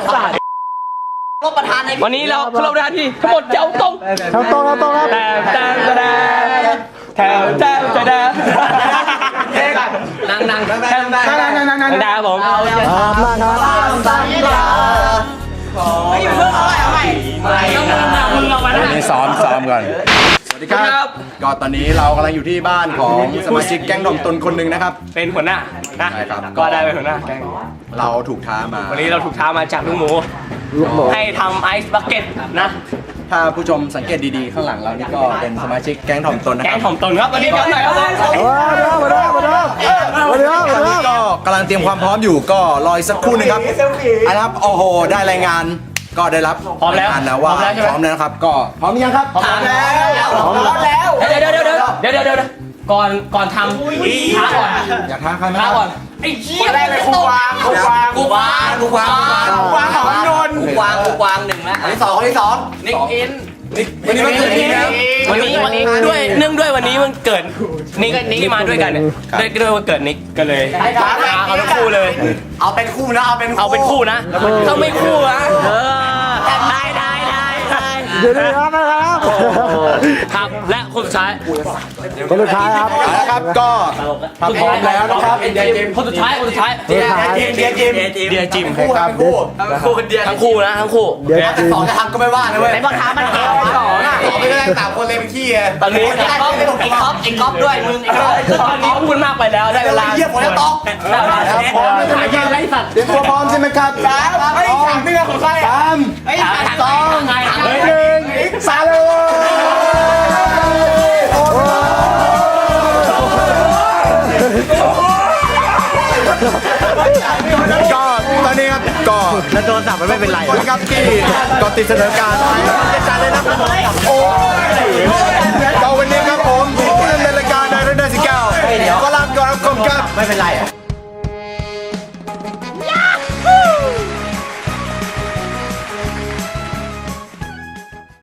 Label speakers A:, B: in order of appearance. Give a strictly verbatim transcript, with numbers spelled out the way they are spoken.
A: รบประธานในวันนี้เราเราประธานที่ทั้งหมดแถวตรง
B: แถวตรงแถวตรงครับ
A: แต่แต่แต่แถวแถวแถวนั่งนั่งนั่งนั่งนั่งนั่งนั่งนั่งนั่งนั่งผม
B: ครับนั่งครับ
A: ไม่อยู่เพิ่งเอาใหม่เอาใหม่ต้องมึงเอามานะ
C: นี่ซ้อมซ้อมก่อนสวัสดีครับก็ตอนนี้เรากำลังอยู่ที่บ้านของสมาชิกแก๊งดอมตนคนหนึ่งนะครับ
A: เป็นหัวหน้านะ
C: ใช่ครับ
A: ก็ได้เป็นหัวหน้า
C: เราถูกท้ามา
A: วันนี้เราถูกท้ามาจากลูกหมูให้ทำไอซ์บักเก็ตนะ
C: ถ้าผู้ชมสังเกตดีๆข้างหลังเรานี่ก็เป็นสมาชิกแก๊งถ่อมตนนะครับ
A: แก๊งถ่อมตนครับวันนี้กันหน่อยครับ
B: มาแล้วมาแล้วมาแล้วมาแล้วมาแล้ว
C: ก็กำลังเตรียมความพร้อมอยู่ก็รออีกสักครู่นึงครับอันนะครับโอ้โหได้รายงานก็ได้รับ
A: พร้อมแล้ว
C: นะว่าพร้อมแล้วครับก็พร้อมยังครับ
A: พร้อมแล้วพร้อมแล้วเดี๋ยวเดี๋ยวเดี๋ยวเดี๋ยวเดี๋ยวเดี๋ยวก่อนก่อนทำท้าก่อน
C: อยากท้าใครไหม
A: ท้าก่อนไอ้เหี้ยแรกเลยกูวางกูวางกูวางกูวางกูวางของนนท์กูวางกูวางหนึ่งแล้วอันที่สองอันที่สองนิกอิน
C: วันนี้วันเกิดนิกครับ
A: วันนี้วันนี้ด้วยเนื่องด้วยวันนี้มันเกิดนิกนิกมาด้วยกันเนี่ยด้วยด้วยวันเกิดนิกก็เลยท้าเอาทั้งคู่เลย
D: เอาเป็นคู่นะเอาเป็น
A: เอาเป็นคู่นะถ้าไม่คู่นะเออได้ได้ได้ได้
B: เดี๋ยวนะครับนะครับ
A: ครับและคนสุดท้าย
B: คนสุดท้ายครับ
C: แล้วครับก็ถ้าพร้อมแล้วนะครับ
A: คนสุดท้ายคนสุดท้าย
D: เดียจิมเดียจิม
A: เดียจิม
C: ครับ
D: คู่คู่เดีย
A: ทั้งคู่นะทั้งคู่
B: เดี๋ยว
D: สองจะทำก็ไม่ว่านะเว้ย
A: ไหนบอกท้ามันเองสองอ่ะ
D: สองไม่ได้สามคนเลยเป็นขี้อ่ะ
A: ตอนนี้ไอ้ก๊อฟไอ้ก๊อฟไอ้ก๊อฟด้วยมึงไอ้ก๊อฟตอนนี้พูดมากไปแล้วได้เวลา
D: เยี่ยมหมดแล้วต๊อก
C: พร้อมแล้วใช่ไหมครับเตรียมตัวพร้อมใช่ไหมครับ
D: สามไอ้สามเนื้อของใคร
C: สาม
A: ไอ้สองไง
C: หนึ่งสามเลยก็ตอนนี้ครับก็
A: แล้วโดนสับมันไม่เป็นไร
C: คนครับที่ก็ติดเสนอการไว้จะจัดเลยนะโอ้ก็วันนี้ครับผมผู้ดำเนินรายการในรุ่นเดือนสิบเก้าก็ลาก่อนครับผมครับ
A: ไม่เป็นไร